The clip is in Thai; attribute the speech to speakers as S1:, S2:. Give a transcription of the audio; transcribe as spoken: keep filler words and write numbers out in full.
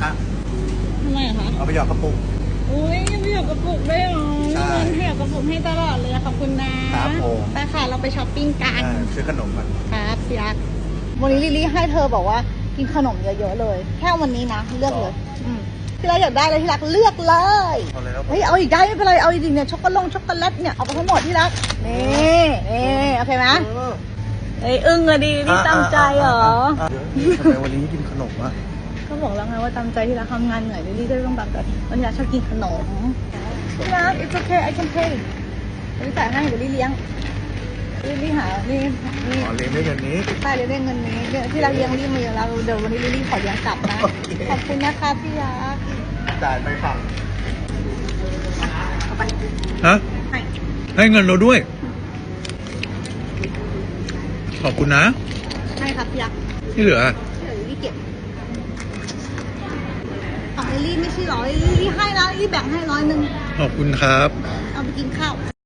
S1: คะ
S2: ทำไมอะคะ
S1: เอาไปหยอดกระปุก
S2: อุ้ยไม่หยอกกระปุกได้หรอ
S1: ใช่
S2: ให้หยอกกระปุกให้ตลอดเลยขอบคุณนะครับ
S1: ผม
S2: ไปค่ะเราไปช้อปปิ้งกัน
S1: อ่าซื้อขนมก่อน
S2: ครับพี่รักวันนี้ลิลลี่ให้เธอบอกว่ากินขนมเยอะๆเลย แค่วันนี้นะเลือกเลยอืมพี่รักอยากได้เลยพี่รักเลือกเลย
S1: เอาเลยครับ
S2: เฮ้ยเอาอีกได้ไม่เป็นไรเอาอีกดิเนี่ยช็อกโกแลตช็อกโกแลตเนี่ยเอาไปทั้งหมดที่รักนี่นี่โอเคไหม
S1: เออ
S2: เอ้ยอึ้งอะดินี่ตั้งใจเหรอ
S1: เดี๋ยวทำไมวันนี้ไม่กินขนมอ่ะ
S2: ก็บอกแล้วไงว่าตามใจที่รักทำงานเหนื่อยลิลลี่ก็ต้องแบบแบบวันนี้รักชอบกินขนมที่รัก it's okay I can pay ลิลลี่จ่ายให้เดี๋ยวลิลลี่เลี้ยงลิลลี่หานี่นี่
S1: ขอเลี้ยงด้วยเงินนี้
S2: ป้าลิลลี่ได้เงินนี้เดี๋ยวที่รักเลี้ยงลิลลี่มาเยอะแล้วเดี๋ยววันนี้ลิลลี่ขอเลี้ยงกลับนะ
S1: โอเค
S2: ขอบคุณนะคะพี่รัก
S1: จ่ายไปฝั่ง
S2: เอาไป
S3: ฮะ
S2: ให้
S3: ให้เงินเราด้วย ขอบคุณนะ
S2: ให้ครับพี่รัก
S3: ที่เหลือ
S2: เดี๋ยวลิลลี่เก็บของลิลลี่ไม่ใช่หรอลิลลี่ให้นะลิลลี่แบ่งให้ร้อยหนึ่ง
S3: ขอบคุณครับ
S2: เอาไปกินข้าว